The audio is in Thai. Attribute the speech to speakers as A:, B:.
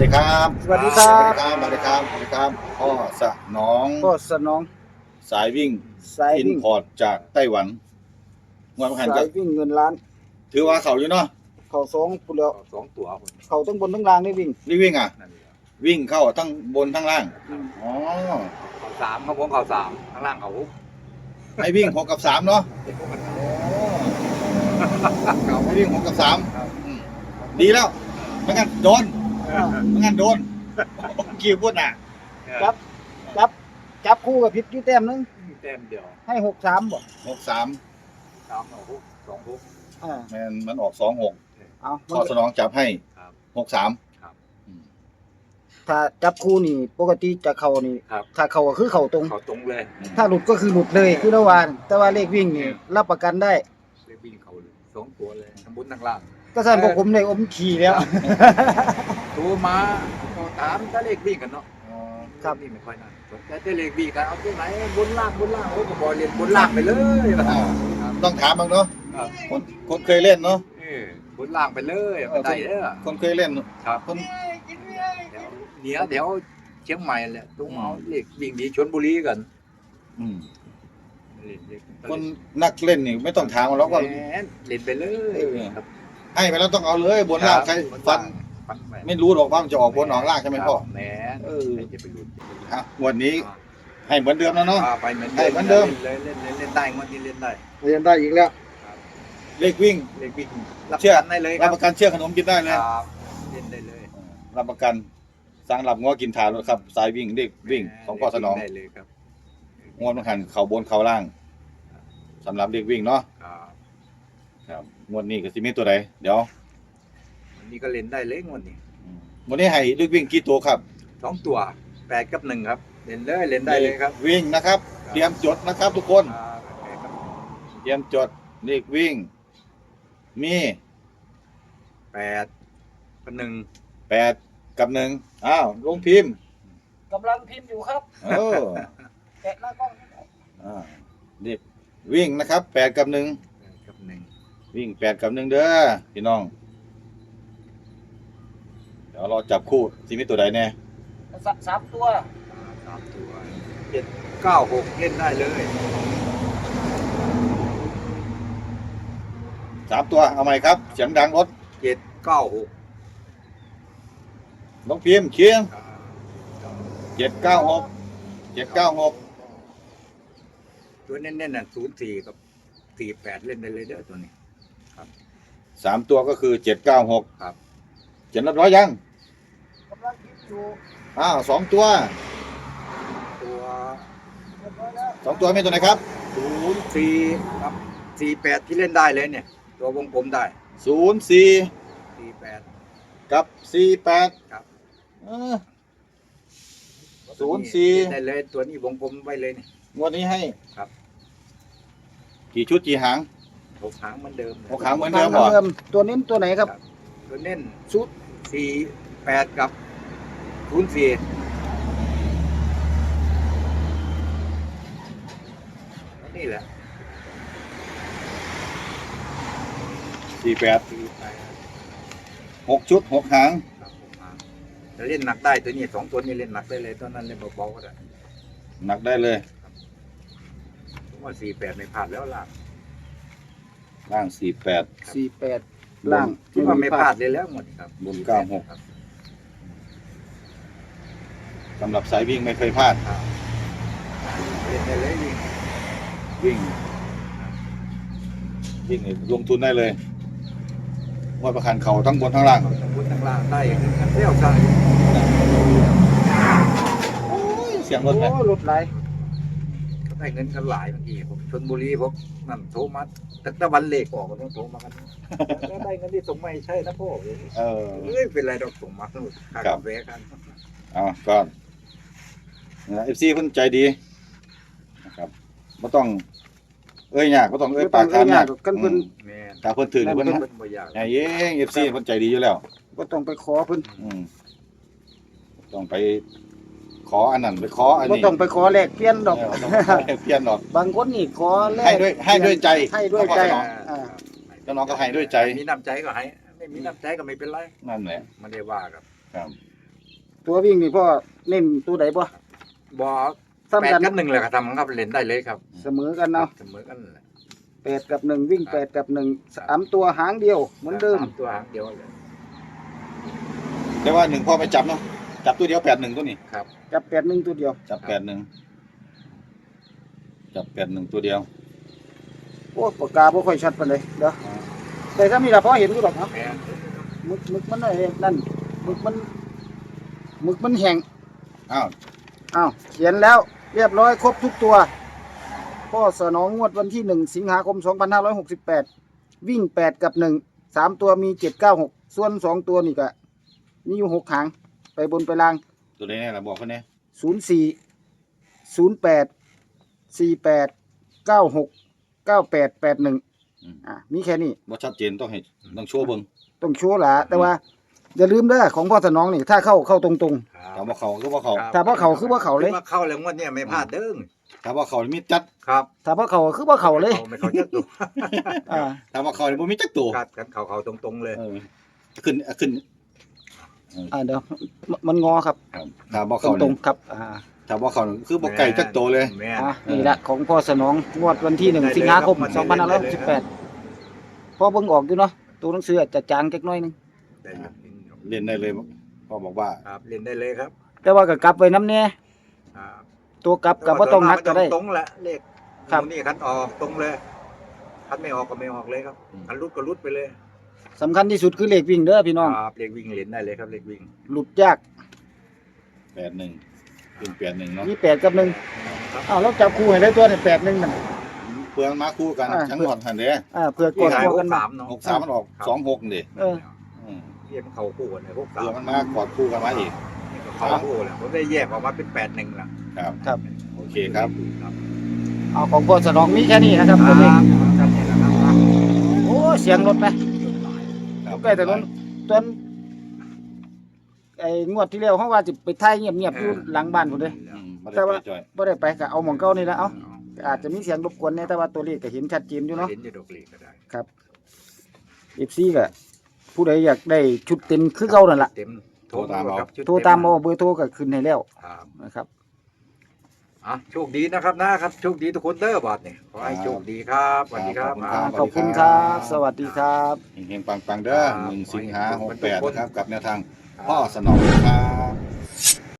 A: ดีครับ
B: สวัสดีครับ
A: สวัสดีครับสวัสดีครับพ่อสนอง
B: ก็สนอง
A: สายวิ่ง
B: สาย
A: อิน
B: วิ่ง
A: พอร์ตจากไต้หวันงวดพัน
B: สา
A: ก็
B: ยวิ่งเงินล้าน
A: ถือว่าเขาอยู่เนาะ
B: เขาสองปุแล้ว
C: สองตัวคน
B: เขาทั้งบนทั้งล่างได้วิ่ง
A: นี่วิ่งอ่ะ
C: นั่นแหละ
A: วิ่งเข้าทั้งบนทั้งล่างอ๋อ
C: เขาสามเขาผมเขาสามข้างล่างเขา
A: ให้วิ่ง6 กับ 3เนาะ
C: เขา
A: ให้วิ่ง6 กับ 3อืมดีแล้วไม่งั้นโดนไม่งั้นโดนกี่พูดน่ะ
B: จับคู่กับพิษอยู่แต้มหนึง
C: เต็มเดียว
B: ให้6-3บ่
A: 6 3
C: สามเอาหกสองหก
B: อ่า
A: มันออก2 6
B: เอา
A: พ่อสนองจับให้
C: ครับ
A: 6 3
C: ครับ
B: ถ้าจับคู่นี่ปกติจะเข้านี่
C: ครับ
B: ถ้าเข้าก็คือเข้าตรง
C: เขาตรงเลย
B: ถ้าหลุดก็คือหลุดเลยคือระหวานแต่ว่าเลขวิ่งนี่รับประกันได้
C: เลยวิ่งเขาเลยสองตัวเลยทั้งบนทั้งล่าง
B: ก็สั่นพวกผมได้อมขี่แล้ว
C: ตัวมาเขาถามถ้าเลขวิ่งกันเนาะ
B: ครับ
C: นี่ไม่ค่อยน่าสนใจแต่เลขวิ่งกันเอาตัวไหนบนล่างโอ้ก็บอลเรียนบนล่างไปเลย
A: อ่า ต้องถามบ้างเนาะ
C: ครับ
A: คนเคยเล่นเนาะ
C: บนล่างไปเลยไม่ได้เด้อ
A: คนเคยเล่น
C: ครับ
A: คน
C: เหนือแถวเชียงใหม่แหละตรงเอาเลขวิ่งหนีชลบุรีกัน
A: อืม
C: เล่น
A: คนนักเล่นนี่ไม่ต้องถามหรอกว่า
C: แหมเล่นไปเลยครับ
A: ให้ไปแล้วต้องเอาเลยบนล่างใครฟัน
C: ไป
A: ไม่รู้หรอกว่ามันจะออกบนออกล่างใช่ไหมพ่อ
C: แหม
A: เออ
C: ใครจะไปรู้
A: อ่ะงวันนี้ให้เหมือนเดิมแล้วเนาะ
C: ไปเหมือน
A: ให้เหมือนเดิม
C: เลยเล่นได้งวดนี้เล่นได้
B: เรียนได้อีกแล้ว
A: เลขวิ่ง
C: เลขวิ่งรับ
A: เชื่อ
C: กันได้เลยค
A: รั
C: รั
A: บบ ประกันเชื่อขนมกินได้เลย
C: ครับเล่นได้เลย
A: รับประกันสร้างหลับง้อกินทานรถครับ สายวิ่งเลขวิ่งของพ่อสนอง
C: ได้เลยครับ
A: งวดมันหันเข่าบนเข่าล่างสำหรับเลขวิ่งเนาะ
C: ครับ
A: ครับงวดนี้ก็สิมีตัวใดเดี๋ยว
C: วันนี้ก็เล่นได้เลยงวดนี้
A: วันนี้ให้เลขวิ่งกี่ตัวครับ
C: สองตัว8 กับ 1ครับเล่นเลยเล่นได้เลยครับ
A: วิ่งนะครับ เตรียมจดนะครับ ทุกคน
C: 8 กับ
A: เตรียมจดเลขวิ่ง มี
C: 8 กับ
A: 8 กับ 1อ้าวลงพิมพ์
B: กำลังพิมพ์อยู่ครับ
A: เออ
B: แกะหน้ากล้อง
A: อ่าเลขวิ่งนะครับ8 กับ 1
C: 8 กับ 1
A: วิ่ง8 กับ 1เด้อพี่น้อง เดี๋ยวเราจับคู่สิมีตัวใดแน่
B: สามตัว
C: 3 ตัว7 9 6เล่นได้เลย
A: 3 ตัวเอาใหม่ครับเสียงดังรถ
C: 7 9 6
A: ลงพิมพ์เชียง796 796
C: ตัวเน้นๆน่ะ04 กับ 48 เล่นได้เลยเด้อตัวนี้
A: 3 ตัวก็คือ796
C: ครับ
A: เขียนเรียบร้อยยัง
B: กำลังพิมพ์อยู่
A: อ้าว2 ตัว
C: ตัว
B: เรียบร้อยแล้ว
A: 2 ตัวมีตัวไหนครับ
C: 04กับ48ที่เล่นได้เลยเนี่ย ตัววงกลมได้
A: 04
C: 48
A: กับ48
C: ครับ
A: เออ 04
C: เล่นได้เลยตัวนี้วงกลมไว้เลยเนี่ย
A: งวดนี้ให้
C: ครับ
A: กี่ชุดกี่หาง
C: 6 หางเหมือนเดิม
A: หกหางเหมือนเดิมเหรอ
B: ตัวเน้นตัวไหนครับ
C: ตัวเน้นชุด48 กับ04นี่แหละ
A: 48
C: 48
A: 6 ชุด 6 หาง
C: ครับ6 หางจะเล่นหนักได้ตัวนี้2 ตัวนี้เล่นหนักได้เลยตอนนั้นเล่นเบาๆก็ได้
A: หนักได้เลย
C: ผมว่า48ไม่พลาดแล้วล่ะ
A: ล่าง 48
B: 48ล่าง
C: คิดว่าไม่พลาดเลยแล้วหมดครับ
A: บน96
C: ครับ
A: สำหรับสายวิ่งไม่เคยพลาด
C: เล่นได้เลยดิ
A: วิ่งวิ่งนี่ลงทุนได้เลยงวดประคันเขาทั้งบนทั้งล่าง
C: ทั้งบนทั้งล่างได้กันเที่ยวใช่
A: เสียงรถไหม
B: โอ้รถไหล
C: ได้เงินกันหลายบางทีผมชลบุรีผมนั่นโทรมาตั้งแต่วันเลขออกก็ต้องโทรมากันแล้วได้เงินที่ส่งมาให้ใช่นะพ่อ
A: เออ
C: เอ้ยเป็นไรดอกส่งมาสนุกค่ากาแฟกัน
A: เอาก่อนเอฟซีเพิ่นใจดีนะครับไม่ต้อง เอ้ยยากไม่ต้องเอ้ยปากถามยาก
B: กันเพิ่น
C: แม่
A: ถ้าเพิ่นถือเพิ่น
C: เป็นบ่อยาก
A: ไอ้เองเอฟซีเพิ่นใจดีอยู่แล้ว
B: ก็ต้องไปขอเพิ่น
A: อืมต้องไปขออันนั้นไปขออัน
B: ก็
A: นี้
B: ต้องไปขอแลกเปลี่ยนดอก
A: เออต้องไปขอเปลี่ยนดอก
B: บางคนนี่ขอแลก
A: ให้ด้วยใจ
B: ให้ด้วยใจ
A: แล้วน้องก็ให้ด้วยใจ
C: มีน้ำใจก็ให้ไม่มีน้ำใจก็ไม่เป็นไร
A: นั่นแหละ
C: ไม่ได้ว่าครับ
A: ครับ
B: ตัววิ่งนี่พ่อเน้นตัวใดบ่
C: บอ
B: ซ้ำ
C: แป
B: กั
C: ด
B: น
C: กับหนึ่งเลยครับทำครับเล่นได้เลยครับ
B: เสมอกันเนาะ
C: เสมอกันเลย
B: 8กับ1วิ่ง8กับ1 3ตัวหางเดียวเหมือนเดิม
C: สาตัวหางเดียวเลย
A: แต่ว่า1พ่อไม่จับเนาะจับตัวเดียว81ตัวนี้
C: ครับ
B: จับ81ตัวเดียว
A: จับ81จับ81ตัวเดียว
B: โอ้ปากกาบ่ค่อยชัดปานใดเด้อแต่ถ้ามีล่ะพอเห็นอยู่ดอกเนาะ
C: แม่น
B: หมึกมันไอ้นั่นหมึกมันแห้ง
A: อ้าว
B: อ้าวเขียนแล้วเรียบร้อยครบทุกตัวพ่อสนองงวดวันที่1สิงหาคม2568วิ่ง8กับ1 3ตัวมี796ส่วน2ตัวนี่ก็มีอยู่6หางไปบนไปล่าง
A: ตัวนี้ล่ะบอกเขาแน่
B: 04 08 48 96 98 81มีแค่นี้
A: บ่ชัดเจนต้องให้ต้องโชว์เบิ่ง
B: ต้องโชว์ล่ะแต่ว่าอย่าลืมเด้อของพ่อสนองนี่ถ้าเข้าตรง
A: ถ้าบ่เข้าคือบ่เข้า
B: ถ้าบ่เข้าคือบ่เข้าเลย
C: คิดว่าเข้าแล้วงวดเนี่ยไม่พลาดเด้ง
A: ถ้าบ่เข้านี่มีจัด
C: ครับ
B: ๆถ้าบ่เข้าคือบ่เข้าเลย
C: ไม่เข้าจักตัว
B: อ่า
A: ถ้าบ่เข้านี่บ่มีจักตัว
C: กัดกันเข้าตรงๆเลย
A: เออขึ้นขึ้น
B: เดี๋ยวมันงอครับ
A: ครับถ้าบ่
B: ต
A: เข้า
B: รง
A: นี่
B: ๆครับ
A: ถ้าบ่เข้านี่คือบ่ไก่จักตัวเลย
C: แม่น
B: นี่แหละของพ่อสนองงวดวันที่1สิงหาคม2568พ่อเบิ่งออกอยู่เนาะตัวหนังสืออาจจะจางจักหน่อยนึง
C: ได้ครับ
A: เล่นได้เลยพ่อบอกว่า
C: ครับเล่นได้เลยครับ
B: แต่ว่าก็กลับไว้นำแน่
C: ครับ
B: ตัวกลับก็บ่ต้องนักก็ได้
C: ตรงแหละเลข
B: ครับ
C: นี่คันออกตรงเลยคันไม่ออกก็ไม่ออกเลยครับคันรุดก็รุดไปเลย
B: สำคัญที่สุดคือเลขวิ่งเด้อพี่น้อง
C: ครับเลขวิ่งเล่นได้เลยครับเลขวิ่ง
B: หลุดยาก
A: 81เป็น81เนาะ
B: มี8กับ1
C: ครับ
B: อ้าวแล้วจับคู่ให้ได้ตัวนี่8 1นั่น
A: เพื่อนมาคู่กันทั้งหมดหั่นเด้
B: เผื่อก
C: วิ่
B: ด
C: งหาย
B: ตัว
C: ห
B: กัน
C: ก
B: มา
C: สามเนาะ
A: 63มันออก26นี่
B: เออ
A: อืม
C: เยี่ยมเขาคู่กันเลยหกสา
A: เพื่อ
C: ม
A: มันมากอดคู่กันมาอีก
C: เขาคู่แหละผมได้แยกออกมาเป็น8-1ละ
A: ครับ
B: ครับ
A: โอเคครับ
C: ครับ
B: เอาของพ่อสนองมีแค่นี้นะครับตัวเลข
C: ครับนี่แหละครับ
B: โอ้เสียงรถไหม
A: ครับ
B: ใกล้ถนนต้นไอ้งวดที่แล้วเขาว่าจะไปถ่ายเงียบๆอยู่หลังบ้านพุ่นเด้
A: อืมบ่
B: แต่
A: ได้
B: ว่า
A: ไปจ่อย
B: บ่ได้ไปก็เอาหม่องเก่านี่ละเอาอาจจะมีเสียงรบกวนแน่แต่ว่าตัวเลขก็เห็นชัดเจนอยู่เนาะ
C: เห็นอยู่ดอกลีก็ได้
B: ครับ FC ก็ผู้ใดอยากได้ชุดเต็มคือเก่านั่นล่ะ
C: เต็มโทรตามครับชุด
B: โทรตามเอาเบอร์โทรก็ขึ้นให้แล้ว
C: ครับ
B: นะครับ
C: อ่ะโชคดีนะครับนะครับโชคดีทุกคนเด้อบอดนี่ขอให้โชคดีครับสวัสดีครับ
B: ขอบคุณครับ สวัสดีครับ
A: เฮงๆปังๆเด้อ
C: ครับ
A: 1สิงหา68นะครับกับแนวทาง
C: ครับ
A: พ่อสนองครับ